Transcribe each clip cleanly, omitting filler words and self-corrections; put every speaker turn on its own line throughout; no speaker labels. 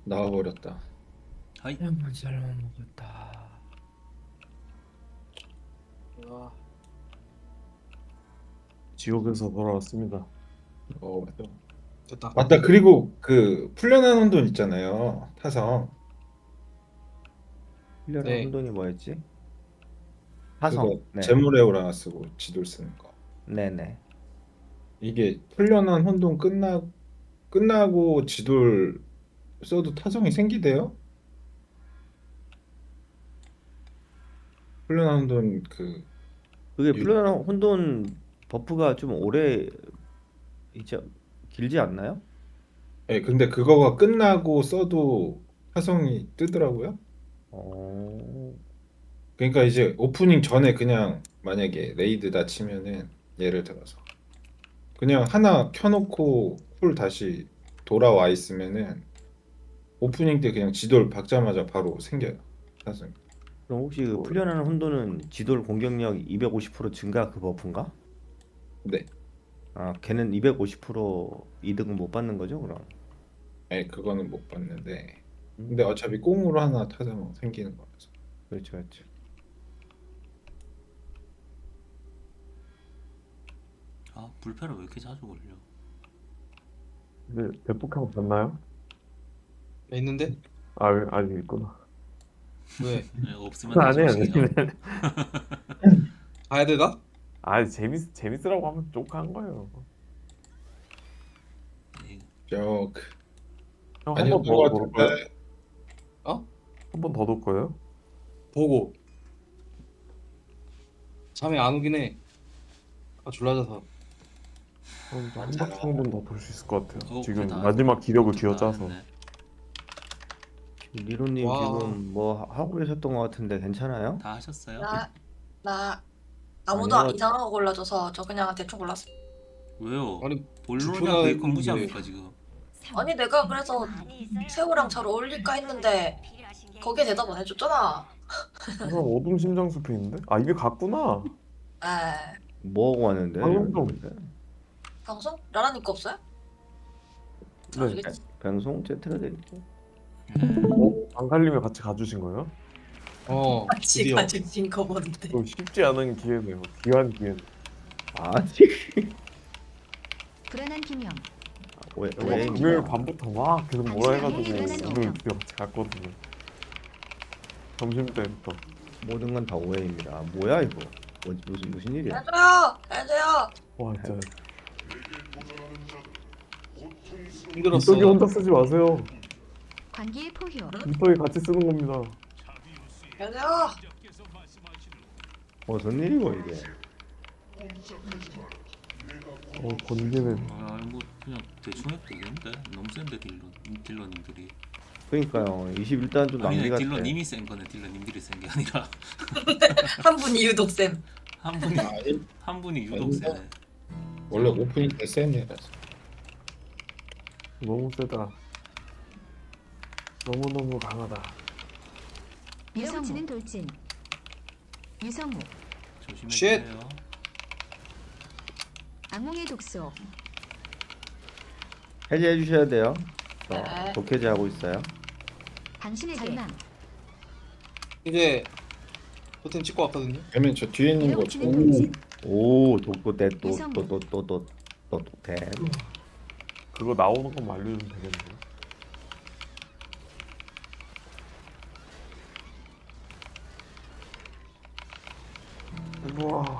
나와버렸다.
하이.
한번 잘못 먹었다.
아,
지옥에서 돌아왔습니다.
맞다.
됐다.
맞다. 그리고 그 풀려난 혼돈 있잖아요. 타성.
훈련한
네.
혼돈이 뭐였지?
그거
화성. 네.
제물에오라 쓰고 지돌 쓰는 거.
네네.
이게 풀려난 혼돈 끝나고 지돌 써도 타성이 생기대요? 풀려난 혼돈
그게 훈련한 혼돈 버프가 좀 오래 이제 길지 않나요?
예, 근데 그거가 끝나고 써도 타성이 뜨더라고요.
어.
그러니까 이제 오프닝 전에 그냥 만약에 레이드다 치면은 예를 들어서 그냥 하나 켜놓고 쿨 다시 돌아와 있으면은 오프닝 때 그냥 지돌 박자마자 바로 생겨요. 타성.
그럼 혹시 그 훈련하는 혼돈은 지돌 공격력 250% 증가 그 버프인가?
네.
아, 걔는 250% 이득은 못 받는 거죠, 그럼?
예, 그거는 못 봤는데 근데 어차피 꽁으로 하나 타성 생기는 거라서.
그렇죠, 그렇죠.
아, 불패를 왜 이렇게 자주 걸려?
근데 대폭하고 봤나요?
있는데?
아, 아직 있구나.
왜?
네, 없으면
아니,
나중이요.
가야 돼 나?
아, 재밌으라고 하면 족한 거예요.
네,
조크.
형, 한
아니요,
번 더 돌 거예요?
어?
한 번 더 돌 거예요?
보고. 잠이 안 오긴 해. 아, 졸라져서.
한 바퀴 한 번 더 돌 수 있을 것 같아요. 지금
그래, 다
마지막 기력을
다
쥐어짜서.
했네.
리로님
와.
지금 뭐 하고 계셨던 것 같은데 괜찮아요?
다 하셨어요?
나 아무도
아니요.
이상한 거 골라줘서 저 그냥 대충 골랐어.
왜요?
아니,
본론이랑
주표가
베이컨
있는데.
무시합니까 지금?
아니 내가 그래서 새우랑 잘 어울릴까 했는데 거기에 대답 안 해줬잖아.
그럼 어둠 심장 숲에 있는데? 아, 이게 같구나.
에
뭐 하고 왔는데?
방송 좀.
방송? 라라님 거 없어요?
네.
알겠지.
방송 제트가 되겠고.
안 갈리면 같이 가주신 거예요?
같이
드디어.
가지신 거 뭔데?
또 쉽지 않은 기회네요. 귀한 기회.
아직
불안한 김영.
왜
금요일 밤부터 막 계속 뭐라 해가지고
당신은
오늘
아니에요.
드디어 같이 갔거든요. 점심 때부터.
모든 건 다 오해입니다. 뭐야 이거? 무슨 일이야?
해줘요.
와, 진짜.
힘들었어.
이떡이 혼자 쓰지 마세요.
관계의 포효.
이떡이 같이 쓰는 겁니다.
해줘요.
무슨 일이고 이게?
권기는
아, 뭐 그냥 대충 해도 되겠는데? 너무 센데 딜러님들이.
그러니까요. 21단 좀 낭비
아니네,
같아.
딜러님이 센 거네. 딜러님들이 센 게 아니라
한 분이 유독 쌤.
한 분이 한 분이 유독 세네.
원래 오프닝 때 센 애라서.
너무 세다. 너무너무 강하다.
밀어붙이는 돌진. 유성우.
조심해주세요.
악몽의 독소.
해제해 주셔야 돼요.
네.
독해제하고 있어요.
당신에게 절망.
이제 토템 찍고 왔거든요.
그러면 저 뒤에 있는 거
밀어붙이는
좀-
돌진.
오, 독도대
유성우.
또또또또또 독대.
그거 나오는 것만 알려주면 되겠네요. 우와.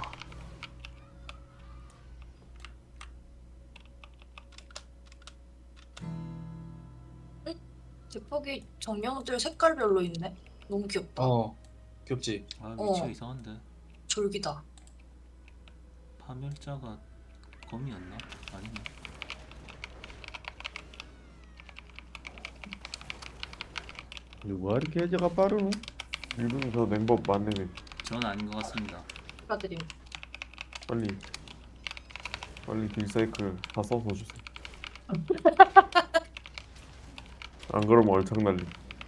뒷폭이 정령들 색깔별로 있네. 너무 귀엽다.
귀엽지.
아, 위치가
어.
이상한데.
졸기다.
파멸자가 검이었나? 아니네.
누가 이렇게 해제가 빠르노?
이분 저 냉법 맞네.
전 아닌 것 같습니다.
축하드림.
빨리 딜사이클 다 써서 주세요. 안 그러면 얼창 날림.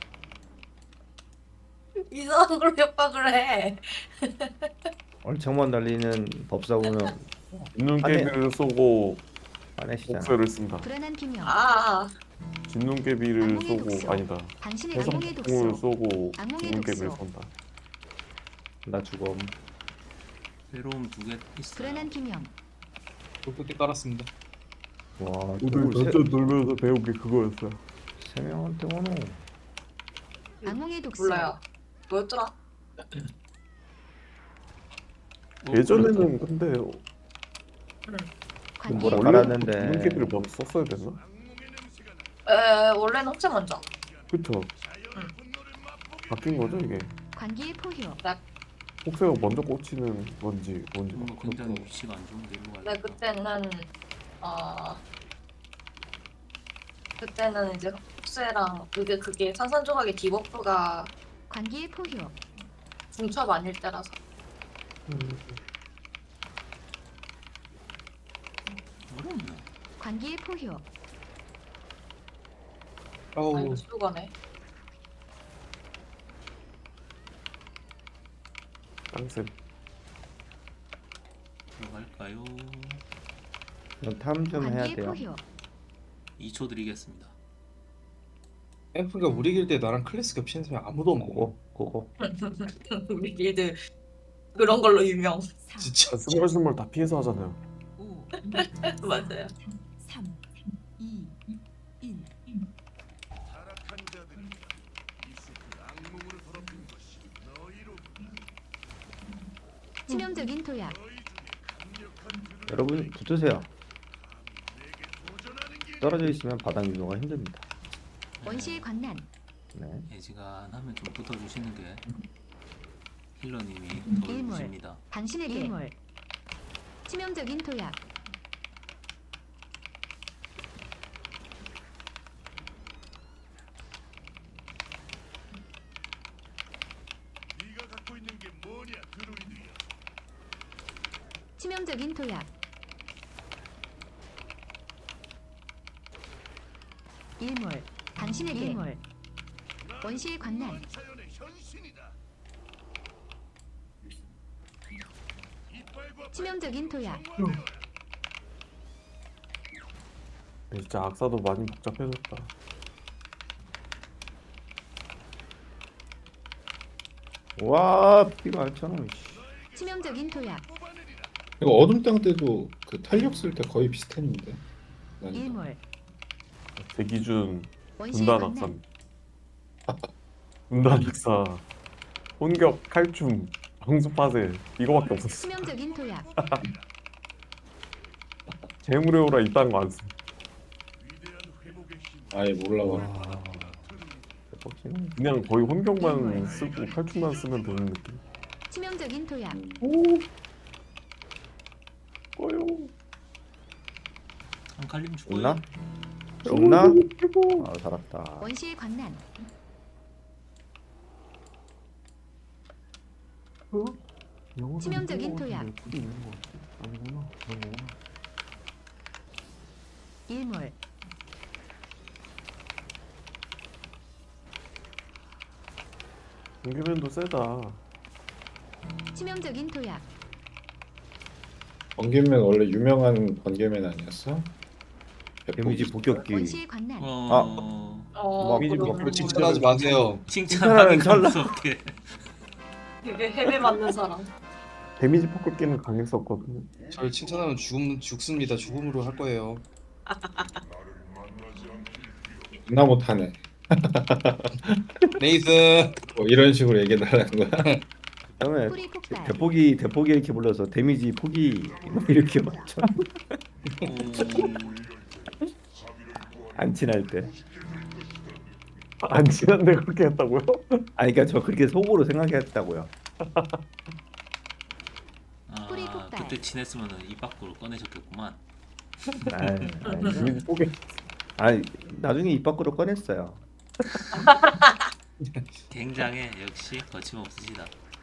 이상한 걸 협박을 해.
얼창만 달리는 법사고는
있는
안에-
게임을 쏘고
빠내시잖아.
복수를 쓴다.
불안한 김영.
아
진눈깨비를
악몽의
쏘고
독소.
아니다.
당신의 악몽의
해성풍을
독소.
쏘고
악몽의
진눈깨비를
독소.
쏜다.
나 죽음.
괴로움 2개 있어요.
불안한 기념.
돌격대 깔았습니다.
와,
오늘
저걸
던전 돌면서 배운 게 그거였어요.
세 명한테 오노.
악몽의 독소.
몰라요. 뭐였더라?
예전에는 근데
관계의
뭐라
포효.
깔았는데.
진눈깨비를 먼저 썼어야 됐나?
원래는 흑제 먼저.
그쵸? 바뀐 거죠 이게?
관계의 포효.
혹세가 먼저 꽂히는 건지 뭔지
뭔가
막
굉장히
그렇더라고.
위치가 안 좋은데 일로
근데
가야
그때는 이제 흑쇠랑 그게 산산조각의 디버프가
관계의 포효.
중첩 아닐 때라서.
어렵네.
관계의 포효.
아
아우
이거 수도가네.
땅쌤.
들어갈까요?
탐 좀 해야
관계의
돼요.
포효.
2초 드리겠습니다.
앰프가 우리 길드에 나랑 클래스 겹치는 사람이 아무도 없네.
그거.
우리 길드 그런 걸로 유명.
진짜.
스멀스멀 다 피해서 하잖아요.
맞아요.
3, 2, 1.
치명적인 도약.
여러분 붙으세요. 떨어져 있으면 바닥 유도가 힘듭니다.
원시의 광란.
네.
예지간하면 좀 붙어주시는 게 힐러님이
일몰.
도와주십니다.
당신에게 일몰. 치명적인 도약. 치명적인 도약. 일몰. 당신에게 일몰. 원시의 광란. 치명적인 도약.
근데 진짜 악사도 많이 복잡해졌다.
와 피가 알잖아.
치명적인 도약.
이거 어둠 땅 때도 그 탄력 쓸 때 거의 비슷했는데. 난이도.
일몰.
제 기준
원시의
분단
광란.
악사. 분단 악사. 혼격, 칼춤, 방수파세 이거밖에 없었어.
치명적인 도약.
재물에오라 이딴 거 안 써.
아예 몰라봐.
대박이네.
그냥 거의 혼격만 쓰고 칼춤만 쓰면 되는 느낌.
치명적인 도약.
꺼요.
한 칼림 죽어요.
죽나? 죽나? 아 살았다.
원시의 광란. 치명적인 도약.
아니구나.
일몰.
공개면도 세다.
치명적인 도약.
번개맨 원래 유명한 번개맨 아니었어?
데미지 복격기.
원시의 광란.
데미지
그럼
뭐
칭찬하지 마세요.
칭찬하기
찰나.
무섭게.
그게 헤매 맞는 사람.
데미지 폭격기는 강했었거든요.
저를 칭찬하면 죽습니다. 죽음으로 할 거예요.
나 못하네.
네이스.
뭐 이런 식으로 얘기해달라는 거야.
그다음에
뿌리 폭발.
대포기 이렇게 불러서 데미지 포기 뭐 이렇게 맞죠. 안 친할 때.
안 친한데 그렇게 했다고요?
아니 그러니까 저 그렇게 속으로 생각했다고요.
뿌리
아
폭발.
그때 친했으면 입 밖으로 꺼내셨겠구만.
데미지 폭격.
아니 나중에 입 밖으로 꺼냈어요.
굉장해. 역시 거침없으시다.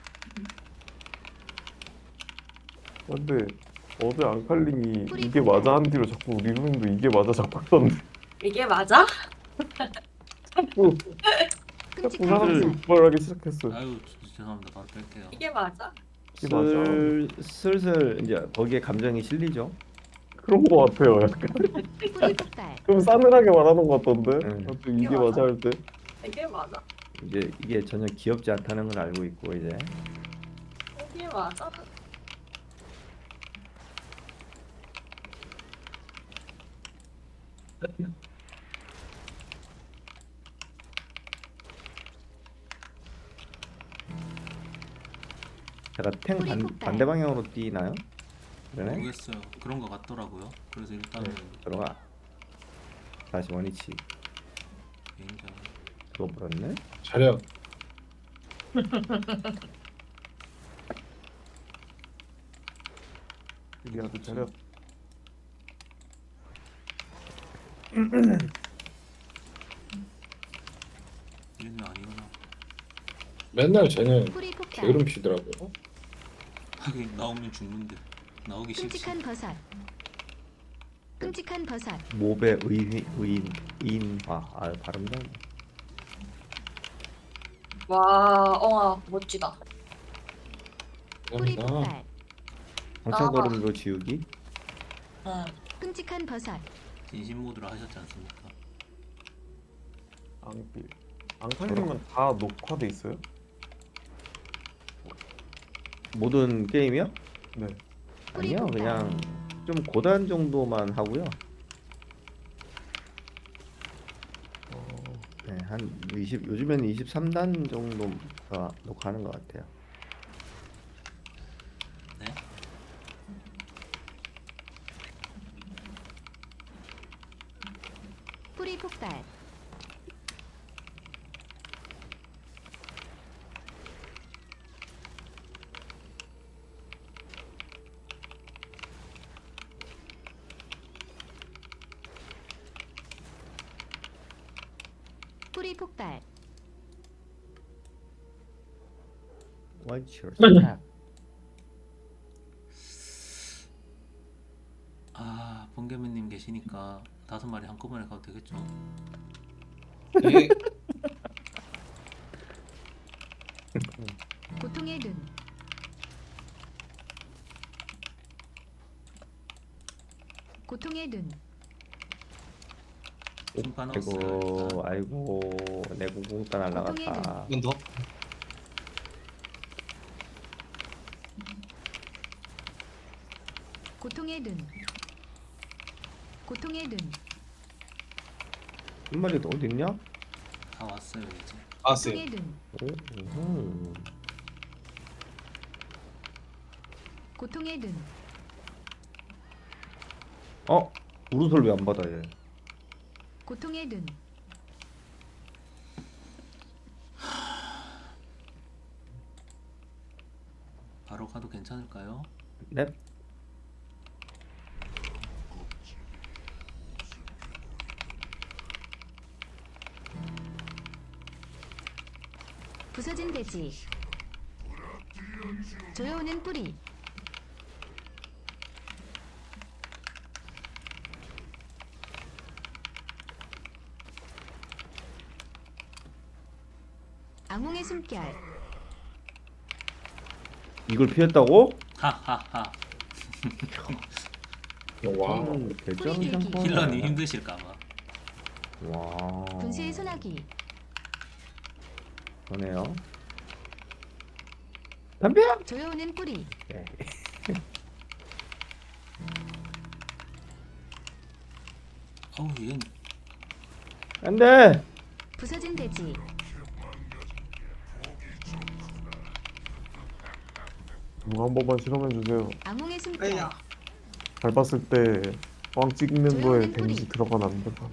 근데 어제 앙칼님이 이게 맞아 한 뒤로 자꾸 리루님도 이게 맞아 자꾸 하던데
이게 맞아?
자꾸
끔찍한
사람들이
상상.
분발하기 시작했어요.
아유 죄송합니다. 바로 뺄게요.
이게 맞아?
이게 맞아.
슬슬 이제 거기에 감정이 실리죠.
그런 거 같아요. 약간
뿌리 폭발.
좀 싸늘하게 말하는 것 같던데.
응.
아무튼 이게 맞아 할 때.
이게 맞아?
이제 이게 전혀 귀엽지 않다는 걸 알고 있고 이제
이게 맞아?
제가 탱
뿌리 폭발.
반대 방향으로 뛰나요? 그러네.
모르겠어요. 그런 거 같더라고요. 그래서 일단은
들어가. 다시 원위치.
개인전
그거 버렸네.
자력.
이게 아주 잘해.
얘는 아니구나.
맨날 쟤는
뿌리 폭발.
게으름 피더라고요.
하긴 나오면 죽는데 나오기 싫지.
끔찍한 버섯. 끔찍한 버섯.
몹의 의인화. 아 발음도.
와, 엉아 멋지다.
뿌리
감사합니다.
폭발.
상처걸음도 지우기.
응.
끔찍한 버섯.
진심 모드로 하셨지 않습니까?
앙필. 앙칼님은 다 녹화돼 있어요?
모든 게임이요?
네.
아니요,
뿌리
그냥 좀 고단 정도만 하고요. 네, 한 20, 요즘에는 23단 정도가 녹화하는 것 같아요.
네.
뿌리 폭발. 뿌리 폭발.
What's your step?
아 번개맨님 계시니까 5마리 한꺼번에 가도 되겠죠?
예.
고통의 눈. 고통의 눈.
충파 넣었어요.
아이고, 내 공공따 날라갔다.
한 번 더.
고통의 눈. 고통의 눈.
한 마리 더 어디 있냐?
다 왔어요 이제.
아세요.
고통의 눈.
오,
고통의 눈.
우르솔 왜 안 받아 얘?
고통의 눈.
바로 가도 괜찮을까요?
넵.
부서진 돼지. 조여오는 뿌리. 악몽의 숨결.
이걸 피했다고?
하하하.
와.
결정
뿌리 들기.
상권.
힐러님 힘드실까봐.
와.
분수의 소나기.
그러네요. 담벼.
조여오는 뿌리.
네.
어우 얘
안돼.
부서진 돼지.
누가 한 번만 실험해 주세요.
악몽의 숨결.
왜야?
밟았을 때 꽝 찍는 거에
조용한
데미지
뿌리.
들어가면 안 된다.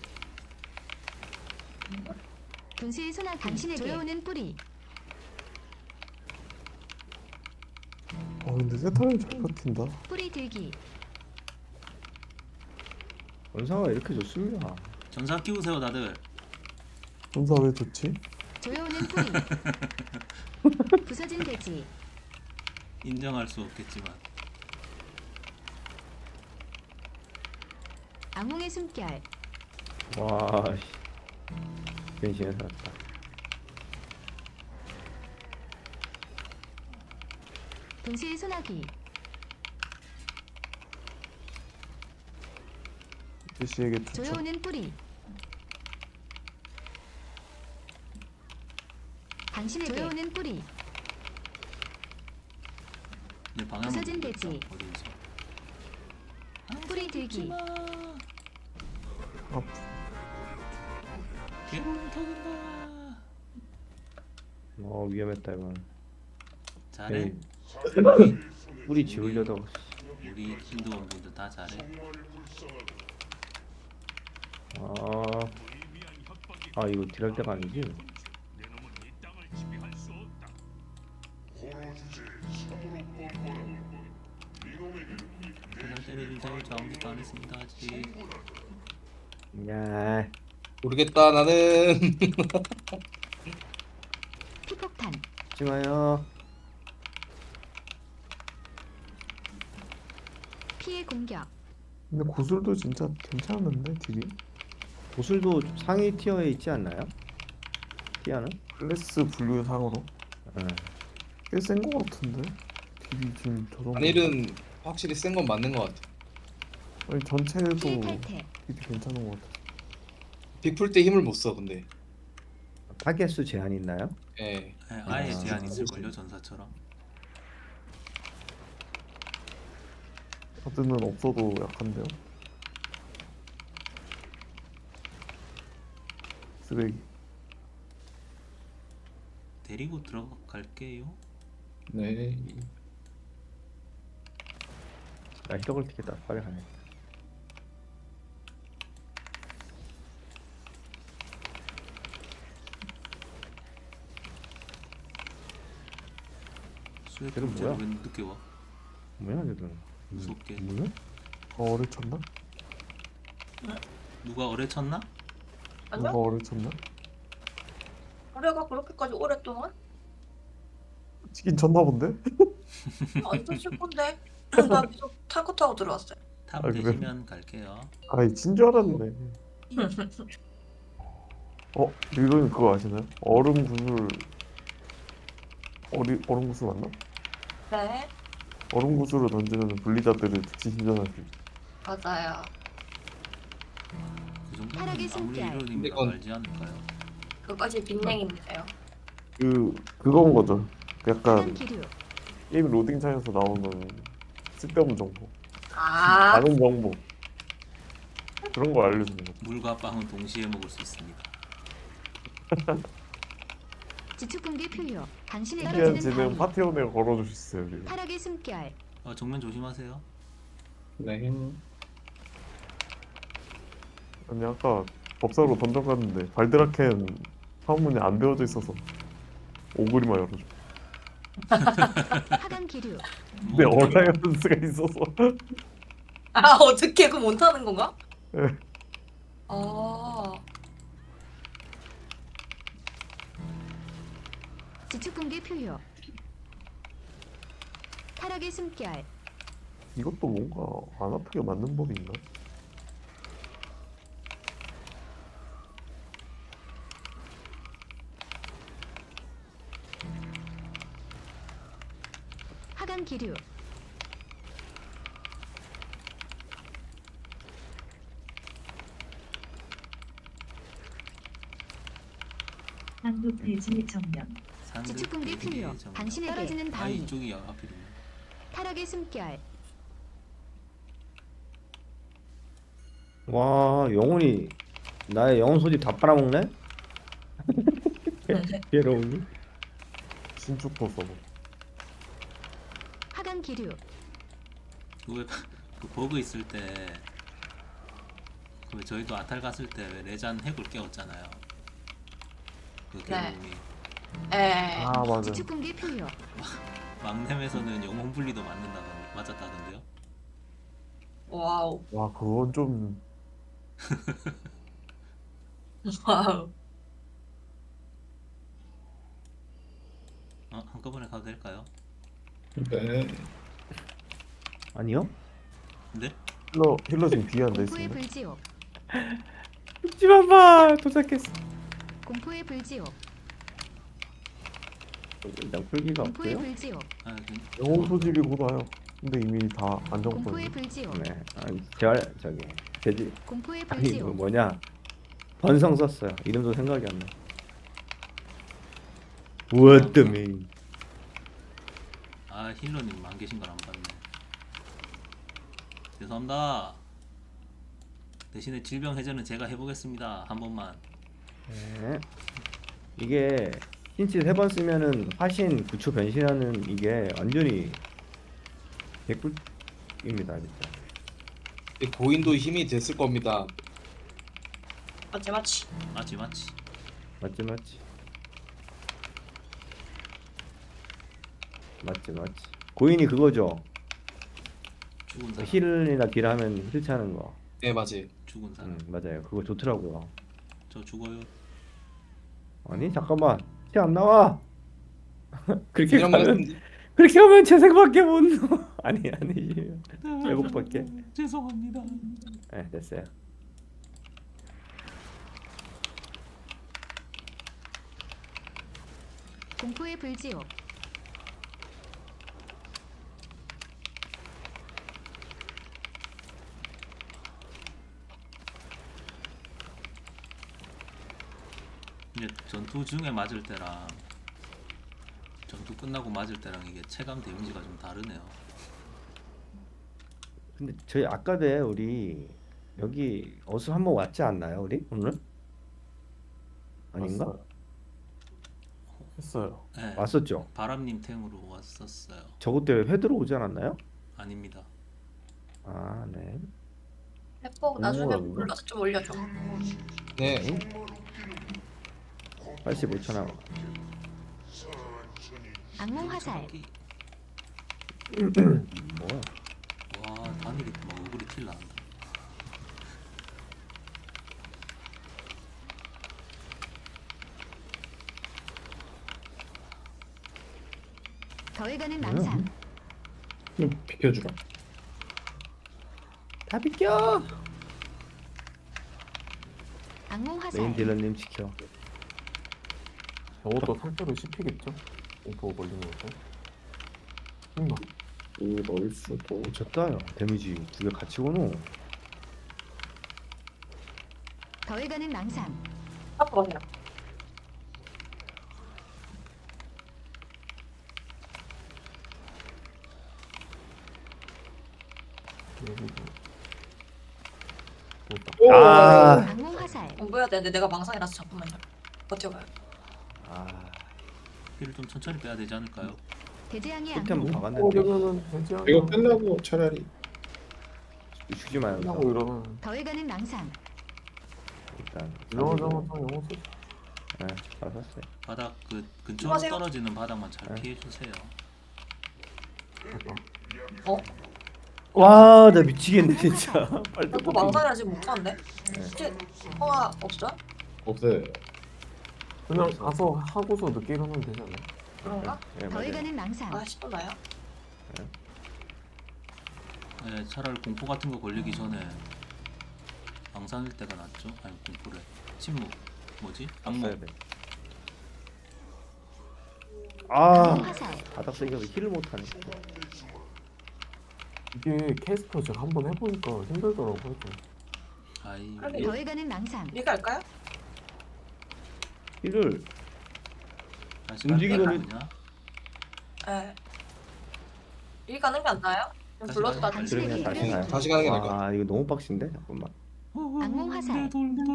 분수의 소나기. 당신에게 조여오는 뿌리.
근데 세타를 잘 버틴다.
뿌리 들기.
원사가 이렇게 좋습니다.
전사 끼우세요 다들.
전사 왜 좋지?
조여오는 뿌리. 부서진 돼지.
인정할 수 없겠지만
악몽의 숨결.
와. 씨. 변신해 살았다.
분수의 소나기.
제시에게 추천.
조여오는 뿌리. 당신에게 조여오는 뿌리.
내 방향
부서진 돼지.
어딘지.
뿌리 들기.
아,
괴로움 터진다.
위험했다 이건.
잘해.
에이, 뿌리 지우려다.
우리 힌두원 분들 다 잘해.
이거 딜할 때가 아니지?
그날 때려주세요. 저 아무것도 안 했습니다 아직.
야,
모르겠다 나는.
피폭탄.
하지 마요.
피해 공격.
근데 고술도 진짜 괜찮은데 딜이?
보슬도 상위 티어에 있지 않나요? 티어는?
클래스 분류상으로
네.
꽤 센 거 같은데? 딜이 지금 저 정도.
단일은 확실히 센 건 맞는 것 같아.
아니 전체도
피해 탈퇴.
딜이 괜찮은 거 같아.
빅풀 때 힘을 못 써 근데.
타겟수 제한 있나요?
예.
네, 아예
아.
제한 있을걸요 전사처럼.
카드는 없어도 약한데요? 쓰레기.
데리고 들어갈게요.
네.
나 히더글 티켓다. 빨리 가네.
수액
걔는
문제로
뭐야?
왜 늦게 와?
뭐야 걔들?
무섭게.
뭐야?
어를 쳤나?
누가 어뢰 쳤나?
누가
아니요?
어를 쳤나?
우리가 그렇게까지 오랫동안
치긴 쳤나 본데?
안 줬을 건데. 나 계속 타고 타고 들어왔어요.
탑
아, 그래?
되시면 갈게요.
아이 진줄 알았네. 리로님 그거 아시나요? 얼음 구슬 얼음 구슬 맞나?
네,
얼음 구슬을 던지면 분리자들을 즉시 신전할 수 있어.
맞아요.
그 정도면
타락의
아무리
숨결.
이론이면
근데
알지 않을까요?
그것이 빅냉인데요.
그건 거죠.
하단
약간
기류.
게임 로딩 창에서 나오는 쓸데없는 정보,
아,
많은 정보 그런 거 알려주는 거.
물과 빵은 동시에 먹을 수 있습니다.
지축붕괴 표효. 당신의
신기한
떨어지는
지는
바위.
파티원에 걸어줄 수 있어요. 그리고.
타락의 숨결.
정면 조심하세요.
네.
아니 아까 법사로 던전 갔는데 발드라켄 파문이 안 되어져 있어서 오그리만 열어줘.
하단 기류.
근데 어라이언스가 있어서
아 어떻게 그 못하는 건가?
네.
아,
지축붕괴 표효. 타락의 숨결.
이것도 뭔가 안 아프게 맞는 법이 있나?
하단 기류.
한국 대지 정면.
상급
지축붕괴
대기의
표효.
정답.
당신에게 떨어지는
아
바위.
이쪽이 앞이군요.
타락의 숨결.
와, 영혼이 나의 영혼 소지 다 빨아먹네? 괴로우니?
신축도 써보.
하단 기류.
그 버그 있을 때 그 저희도 아탈 갔을 때 왜 레잔 핵을 깨웠잖아요. 그
네.
괴로움이
에,
아 맞아.
지축붕괴 표효.
막nem에서는 영혼 분리도 맞았다던데요.
와우,
와 그건 좀
와우.
한꺼번에 가도 될까요?
네.
아니요?
네?
힐러 지금 뒤에 앉아
공포의
있습니다.
불지옥.
죽지만 봐! 도착했어.
공포의 불지옥.
일단 풀기가
공포의
없고요.
불지옥.
영혼 소집이 곧 와요. 근데 이미 다 안정권이.
공포의 불지옥.
네, 재활 저기 돼지
공포의
아니 이거
불지옥.
뭐냐 번성 썼어요. 이름도 생각이 안 나. What the mean?
아 힐러님 안 계신 걸 안 봤네. 죄송합니다. 대신에 질병 해제는 제가 해보겠습니다. 한 번만.
네. 이게 힌치 3번 쓰면은 화신 9초 변신하는 이게 완전히 개꿀입니다 진짜.
이 고인도 힘이 됐을 겁니다.
맞지 맞지.
맞지 맞지.
맞지 맞지. 맞지 맞지. 고인이 그거죠.
죽은 사람.
힐이나 딜하면 힐 차는 거.
네 맞지.
죽은 사람.
맞아요. 그거 좋더라고요.
저 죽어요.
아니 잠깐만 티 안 나와. 그렇게
이런
가면
말씀
그렇게 하면 재생밖에 못 넣어. 아니지. 회복밖에.
죄송합니다.
네 됐어요.
공포의 불지옥.
이제 전투 중에 맞을 때랑 전투 끝나고 맞을 때랑 이게 체감 데미지가 좀 다르네요.
근데 저희 아까대 우리 여기 어수 한번 왔지 않나요 우리 오늘? 아닌가?
왔어요. 했어요.
네,
왔었죠.
바람님 탱으로 왔었어요.
저것 때문에 회 들어오지 않았나요?
아닙니다.
아 네.
해보 나중에
오.
불러서 좀 올려줘.
네.
85초 남아.
악몽 화살.
뭐야?
와 단일이 막 얼굴이 틸 나온다.
더해가는 낭상.
좀 비켜주라.
다 비켜.
악몽
메인
화살.
딜러님 지켜.
저것도 살짝은 씹히겠죠? 공포 걸리는 것도. 힘나.
넣을 수도.
미쳤다 야. 데미지 2개 같이 오노.
더해가는 낭상.
앞으로 해요.
여기도. 됐다.
아.
악몽 화살.
공부해야 되는데 내가 망상이라서 잠깐만요. 버텨봐요.
아.
힐을 좀 천천히 빼야 되지 않을까요?
대재앙의
끝에 한번
악몽.
박았는데
그러면은 되지 않나?
이거 끝나고 차라리
죽지 마요.
끝나고 이러면
더해가는 낭상.
일단
이러자마자 영어 쓰.
네, 잘 샀어요.
바닥 그 근처로
조심하세요.
떨어지는 바닥만 잘
네.
피해 주세요.
됐다.
와, 나 미치겠네 진짜. 빨리
나또 망상이라 지금 못하는데? 혹시 통화 없어요?
없어요.
그냥 가서 하고서 늦게 일어나면 되지 않나요?
그런가?
네, 맞아요.
더해가는 낭상.
아 10분 나요?
네, 차라리 공포 같은 거 걸리기 전에 망상일 때가 낫죠? 아니 공포래. 침묵. 뭐지? 악몽.
써야 돼. 아,
악몽 화살.
바닥 쓰기가 힐을 못하네.
이게 캐스터 제가 한번 해보니까 힘들더라고요. 좀.
아이
아니,
더해가는 낭상.
리가 할까요?
힐을
다시
움직이는
갈까요, 그냥?
네. 리 가는 게 안 나요? 그럼
다시
불러서
가요?
나
그래 그냥 다시 가요.
다시 가는 게 나을 것 같아.
아, 이거 너무 빡신데 잠깐만.
악몽 화살.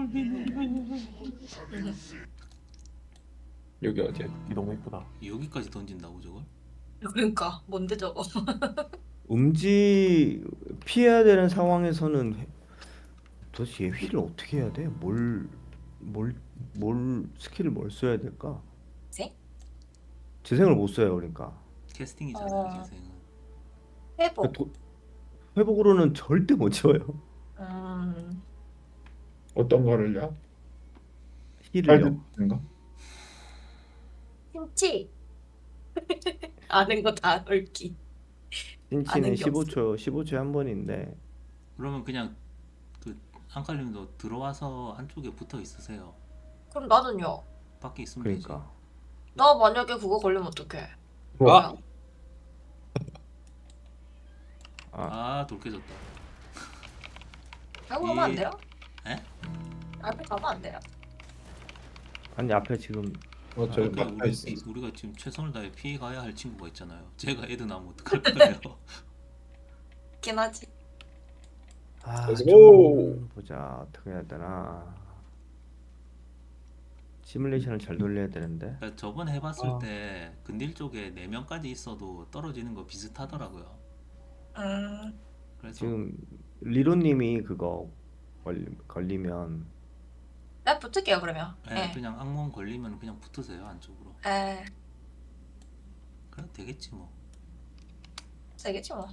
여기 어디야?
이 너무 이쁘다.
여기까지 던진다고 저걸?
그러니까 뭔데 저거?
피해야 되는 상황에서는 도대체 얘 힐을 어떻게 해야 돼? 뭘 스킬을 뭘 써야 될까?
생?
재생을 못 써요 그러니까.
캐스팅이잖아요, 재생은.
회복.
그러니까 회복으로는 절대 못 채워요.
어떤 거를요?
힐을요.
인가?
김치. 아는 거 다 얽기.
힌치는
아는 게
15초에 한 번인데
그러면 그냥 그 안칼님도 들어와서 안쪽에 붙어 있으세요.
그럼 나는요?
밖에 있으면 되지.
그러니까
나 만약에 그거 걸리면 어떡해?
아,
아, 돌 깨졌다.
알고 가면 안 돼요?
에?
알고 가면 안 돼요.
아니 앞에 지금
저기
그러니까
막혀 있어.
우리가 지금 최선을 다해 피해 가야 할 친구가 있잖아요. 제가 애들 나면 어떡할 거예요?
있긴 하지.
Let's go.
좀 보자 어떻게 해야 되나. 시뮬레이션을 잘 돌려야 되는데.
그러니까 저번에 해봤을
아.
때 근딜 쪽에 4명까지 있어도 떨어지는 거 비슷하더라고요. 그래서
지금 리로님이 그거 걸리면
내가 붙을게요 그러면.
네,
예.
그냥 악몽 걸리면 그냥 붙으세요 안쪽으로.
에.
그래도 되겠지 뭐.
되겠지 뭐.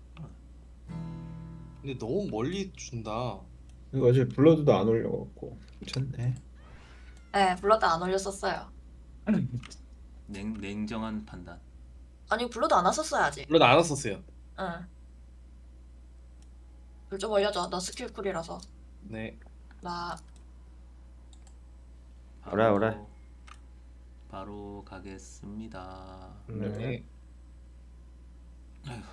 근데 너무 멀리 준다.
이거 어제 블러드도 안 올려갖고 괜찮네.
예, 블러드 안 올렸었어요.
냉정한 판단.
아니 블러드 안 왔었어야지.
물론 안 왔었어요.
응. 불 좀 올려줘. 너 스킬 쿨이라서.
네.
나
오래, 오래.
바로 가겠습니다.
네.
아휴.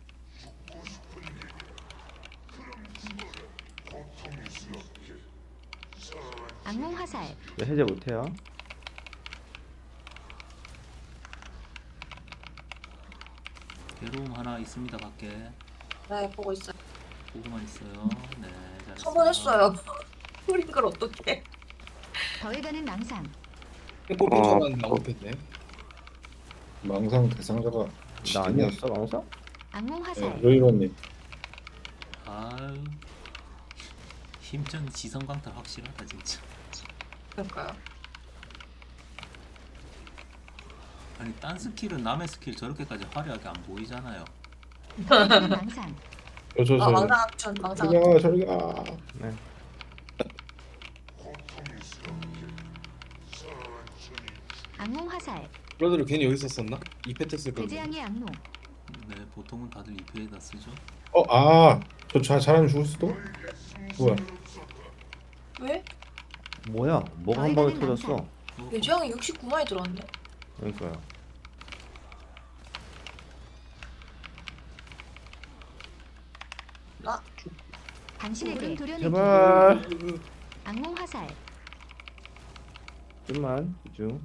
악몽 화살.
왜 해제 못해요?
괴로움 하나 있습니다 밖에.
네, 보고 있어요.
보고만 있어요. 네, 잘했어요.
한번 했어요. 쿨인 걸 어떡해.
더해가는 낭상.
뽑힌 줄 알았는데 안 뽑혔네.
망상 대상자가
나 아니었어 망사?
악몽
네,
화살.
로이로님.
아유. 힘전 지성 강탈 확실하다 진짜.
그러니까요.
아니 딴 스킬은 남의 스킬 저렇게까지 화려하게 안 보이잖아요.
더해가는 낭상.
저
망상 악춘, 망상
저리
악춘.
가 저리 가.
네.
악몽 화살.
브라더를 괜히 여기 썼었나? 이페트 쓸 거.
대재앙의 악몽.
네, 보통은 다들 2패에다 쓰죠.
저 잘하면 죽을 수도? 뭐야?
왜?
뭐야? 뭐가 한 방에 터졌어?
유지형이 69만이 들어왔네.
그러니까요.
나
당신에게 도려내기.
제발
악몽 화살.
좀만 집중.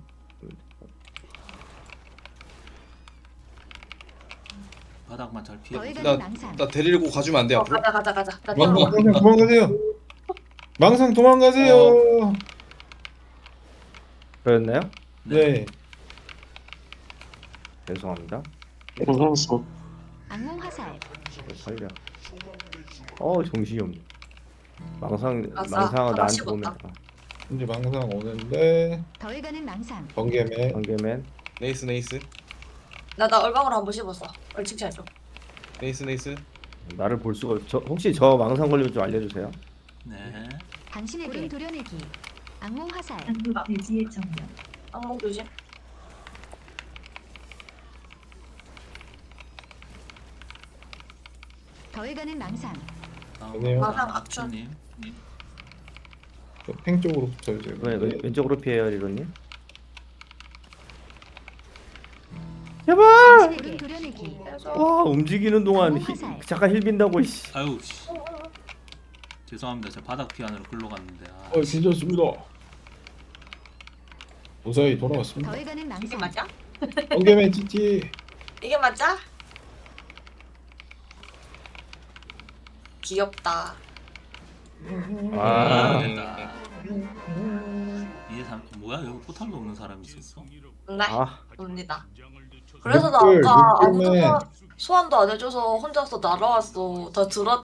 바닥만 잘 피해.
더해가는 낭상.
나 데리고 가주면 안 돼 앞으로?
가자. 나
망상
뛰어.
도망가세요. 망상 도망가세요.
그랬나요?
네.
죄송합니다.
고생했어.
악몽 화살.
살려. 정신이 없네. 망상은
아싸,
나한테
하나씩
오면
왔다.
이제 망상 오는데
더해가는 낭상.
번개맨.
관계맨
네이스 네이스
나 얼방으로 한번 씹었어. 얼 칭찬해줘.
네이스.
나를 볼 수가 없. 혹시 저 망상 걸리면 좀 알려주세요.
네.
당신에게 도려내기. 악몽 화살.
한국 돼지의 정령.
악몽 조심.
더해가는 낭상.
아니에요.
망상 악춘.
님.
팽 쪽으로 붙여주세요.
왜 왼쪽으로 피해요, 리로님? 제발!
당신에게 도려내기.
와 움직이는 동안
화살.
잠깐 힐 빈다고 씨.
아유 씨. 죄송합니다. 저 바닥 피하느라 글로 갔는데. 아,
괜찮습니다. 무사히 돌아왔습니다.
더해가는
이게
낭상.
맞아?
번개맨 찌찌.
이게 맞아? 귀엽다.
아,
됐다. 이제 뭐야 여기 포탈도 없는 사람이 있었어?
네,
아.
옵니다. 그래서 나
늑불,
아까 아무도
늑불맨.
소환도 안 해줘서 혼자서 날아왔어. 다 들어